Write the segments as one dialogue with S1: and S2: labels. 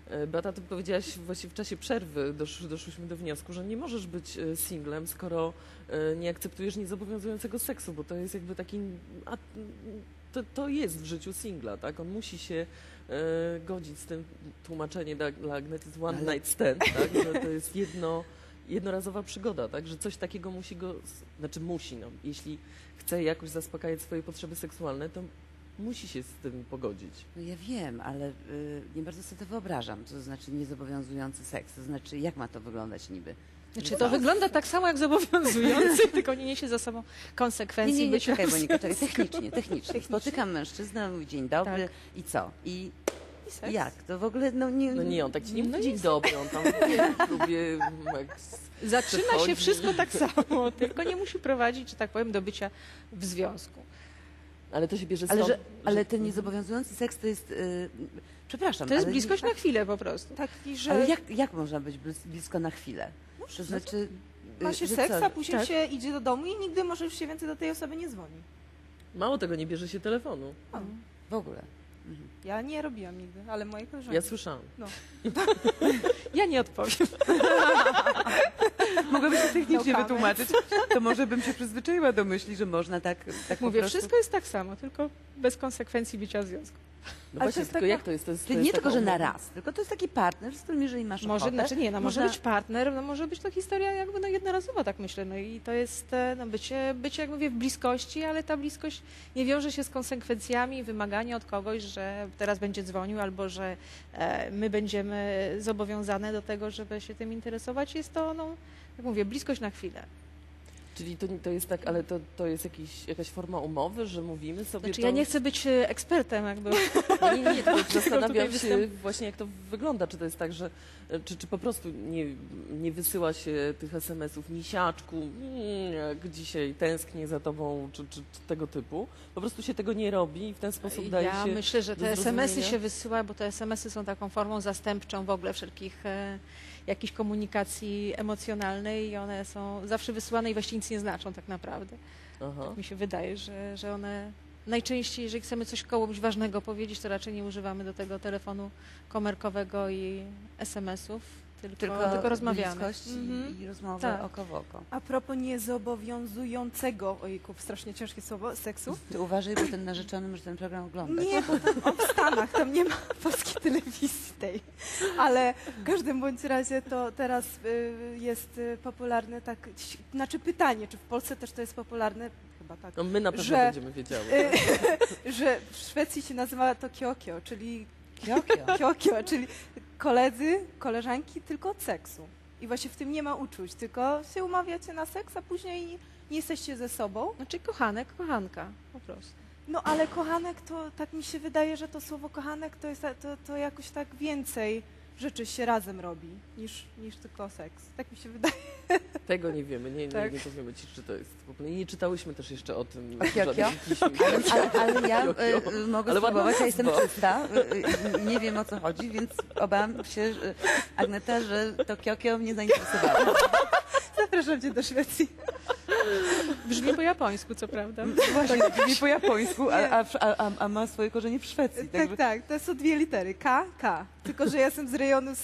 S1: Beata, ty powiedziałaś właśnie w czasie przerwy, doszłyśmy do wniosku, że nie możesz być singlem, skoro nie akceptujesz niezobowiązującego seksu, bo to jest jakby taki... To jest w życiu singla, tak? On musi się godzić z tym, tłumaczenie dla Agnieszki jest one night stand, tak? Że to jest jednorazowa przygoda, tak? Że coś takiego musi go... Znaczy musi, no. Jeśli chce jakoś zaspokajać swoje potrzeby seksualne, to musi się z tym pogodzić.
S2: No ja wiem, ale nie bardzo sobie to wyobrażam, co to znaczy niezobowiązujący seks. To znaczy, jak ma to wyglądać niby?
S3: Znaczy, to wygląda tak samo jak zobowiązujący, tylko nie niesie za sobą konsekwencji.
S2: Nie, czekaj, Monika, czekaj, technicznie. Spotykam mężczyznę, mówi dzień dobry i co? I jak? To w ogóle,
S1: No nie, on tak ci nie mówi dzień dobry, on tam lubię...
S3: Zaczyna się wszystko tak samo, tylko nie musi prowadzić, że tak powiem, do bycia w związku.
S1: Ale to się bierze stąd...
S2: Ale ten niezobowiązujący seks to jest... przepraszam,
S3: to jest bliskość na chwilę po prostu.
S4: Taki, że...
S2: Ale jak można być blisko na chwilę? To znaczy...
S4: Ma się
S2: że
S4: seks,
S2: co?
S4: a później się idzie do domu i nigdy może już się więcej do tej osoby nie dzwoni.
S1: Mało tego, nie bierze się telefonu.
S2: W ogóle.
S4: Ja nie robiłam nigdy, ale moje koleżanki.
S1: Ja słyszałam.
S4: No.
S3: Ja nie odpowiem.
S2: Mogłabyś to technicznie
S4: No
S2: wytłumaczyć, to może bym się przyzwyczaiła do myśli, że można tak
S3: Mówię,
S2: po prostu...
S3: wszystko jest tak samo, tylko bez konsekwencji bycia w związku.
S1: No
S4: Ale
S1: właśnie,
S4: to jest
S1: tylko
S4: taka-
S1: jak to jest? To jest
S2: Czyli nie
S1: taka
S2: tylko, że na
S1: umowa.
S2: raz, tylko to jest taki partner, z którym jeżeli masz
S3: Może,
S2: ochotę...
S3: znaczy nie, no może
S2: można-
S3: być partner, no może być to historia jakby no jednorazowa, tak myślę, no i to jest no bycie, jak mówię, w bliskości, ale ta bliskość nie wiąże się z konsekwencjami, wymagania od kogoś, że teraz będzie dzwonił albo że my będziemy zobowiązane do tego, żeby się tym interesować. Jest to, no, jak mówię, bliskość na chwilę.
S1: Czyli to jest tak, ale to jest jakaś forma umowy, że mówimy sobie
S3: Znaczy
S1: to...
S3: ja nie chcę być ekspertem jakby.
S1: Nie, tylko zastanawiam
S3: tutaj
S1: się właśnie, jak to wygląda. Czy to jest tak, że czy po prostu nie wysyła się tych SMS-ów misiaczku, jak dzisiaj tęsknię za tobą, czy tego typu. Po prostu się tego nie robi i w ten sposób daje się...
S3: Ja myślę, że
S1: do
S3: te SMS-y
S1: zrozumienia.
S3: się wysyła, bo te SMS-y są taką formą zastępczą w ogóle wszelkich jakiejś komunikacji emocjonalnej i one są zawsze wysyłane i właściwie nic nie znaczą tak naprawdę.
S1: Aha.
S3: Tak mi się wydaje, że one najczęściej, jeżeli chcemy coś komuś ważnego powiedzieć, to raczej nie używamy do tego telefonu komórkowego i SMS-ów, tylko rozmawiamy.
S2: bliskość i rozmowę
S3: Tak.
S2: oko w oko.
S4: A propos niezobowiązującego, ojku, strasznie ciężkie słowo, seksu.
S2: Ty uważaj, bo ten narzeczony może ten program oglądać.
S4: Nie, bo tam w Stanach, tam nie ma polskiej telewizji tej. Ale w każdym bądź razie to teraz jest popularne tak, znaczy pytanie, czy w Polsce też to jest popularne, chyba tak,
S1: No my na pewno
S4: że-
S1: będziemy wiedziały.
S4: że w Szwecji się nazywa to kiokio, czyli
S2: Kiokio.
S4: kiokio, czyli koledzy, koleżanki tylko od seksu. I właśnie w tym nie ma uczuć, tylko się umawiacie na seks, a później nie jesteście ze sobą.
S3: Znaczy kochanek, kochanka po prostu.
S4: No ale kochanek to, tak mi się wydaje, że to słowo kochanek to jest to jakoś tak więcej rzeczy się razem robi niż tylko seks. Tak mi się wydaje.
S1: Tego nie wiemy,
S4: Tak.
S1: nie powiemy ci, czy to jest w ogóle... Nie czytałyśmy też jeszcze o tym.
S2: Kiokio?
S1: żadnych piśm.
S2: Ale ja mogę
S1: Ale ładna
S2: spróbować, ja jestem
S1: nazwa.
S2: czysta, nie wiem o co chodzi, więc obawiam się, Agneta, że to kiokio mnie zainteresowało.
S4: Zapraszam cię do Szwecji.
S3: Brzmi po japońsku, co prawda.
S2: Właśnie, nie po japońsku, a ma swoje korzenie w Szwecji.
S4: Tak, to są dwie litery. K. Tylko, że ja jestem z rejonu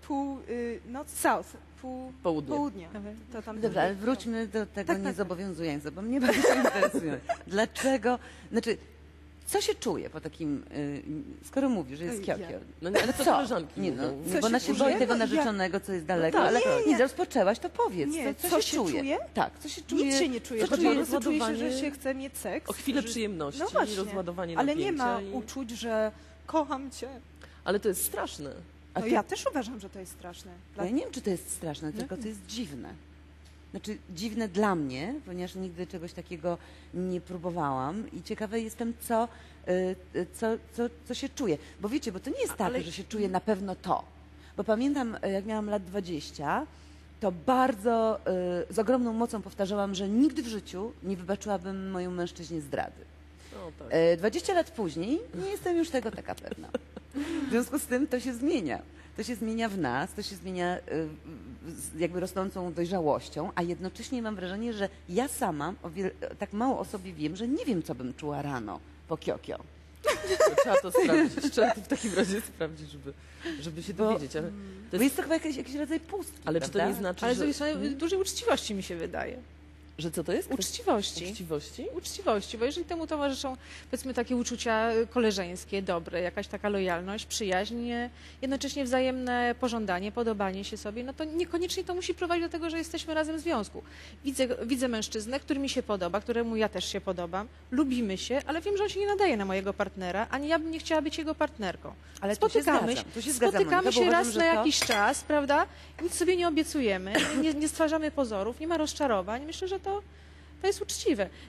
S4: south, południa. To tam
S2: Dobra, ale wróćmy do tego
S4: Tak.
S2: niezobowiązującego, bo mnie bardzo interesuje. Dlaczego, znaczy, co się czuje po takim, skoro mówisz, że jest
S4: Ej,
S2: kiokio?
S1: No nie, ale to koleżanki
S2: Nie, no,
S1: mówią.
S4: Co
S2: bo ona
S4: się
S2: się
S4: czuje?
S2: boi tego
S4: No, ja-
S2: narzeczonego, co jest daleko,
S1: tak,
S2: ale
S1: tak.
S2: nie, rozpoczęłaś, to powiedz.
S4: Nie,
S2: co
S4: co
S2: się
S4: się
S2: czuje?
S4: czuje?
S2: Tak, co się czuje?
S4: Nic się nie czuje.
S2: Co
S4: Po
S2: czuje
S4: prostu czuje się,
S1: rozładowanie-
S4: że się chce mieć seks.
S1: O chwilę
S4: że-
S1: przyjemności,
S4: No właśnie.
S1: rozładowanie
S4: Ale
S1: napięcia.
S4: nie ma
S1: i...
S4: uczuć, że kocham cię.
S1: Ale to jest straszne.
S2: A
S4: No
S2: ty-
S4: ja też uważam, że to jest straszne.
S2: Ja nie wiem, czy to jest straszne, tylko to jest dziwne. Znaczy, dziwne dla mnie, ponieważ nigdy czegoś takiego nie próbowałam i ciekawa jestem, co się czuje. Bo wiecie, bo to nie jest tak, że się czuje na pewno to. Bo pamiętam, jak miałam lat 20, to bardzo z ogromną mocą powtarzałam, że nigdy w życiu nie wybaczyłabym mojemu mężczyźnie zdrady.
S1: No, tak.
S2: 20 lat później nie jestem już tego taka pewna. W związku z tym to się zmienia. To się zmienia w nas, to się zmienia z jakby rosnącą dojrzałością, a jednocześnie mam wrażenie, że ja sama tak mało o sobie wiem, że nie wiem, co bym czuła rano po kiokio.
S1: Trzeba to sprawdzić. Trzeba to w takim razie sprawdzić, żeby się dowiedzieć. Ale
S2: Bo jest to chyba jakiś rodzaj pustki,
S1: ale czy to
S2: prawda?
S1: nie znaczy,
S3: Ale z
S1: że...
S3: drugiej strony dużej uczciwości mi się wydaje.
S1: Że co to jest?
S3: Uczciwości.
S1: Uczciwości?
S3: Uczciwości, bo jeżeli temu towarzyszą, powiedzmy, takie uczucia koleżeńskie, dobre, jakaś taka lojalność, przyjaźń, jednocześnie wzajemne pożądanie, podobanie się sobie, no to niekoniecznie to musi prowadzić do tego, że jesteśmy razem w związku. Widzę mężczyznę, który mi się podoba, któremu ja też się podobam, lubimy się, ale wiem, że on się nie nadaje na mojego partnera, ani ja bym nie chciała być jego partnerką.
S2: Ale tu się zgadzam,
S3: Spotykamy
S2: Monika, bo
S3: się
S2: uważam,
S3: raz
S2: że
S3: na
S2: to-
S3: jakiś czas, prawda? Nic sobie nie obiecujemy, nie stwarzamy pozorów, nie ma rozczarowań. Myślę, że to jest uczciwe.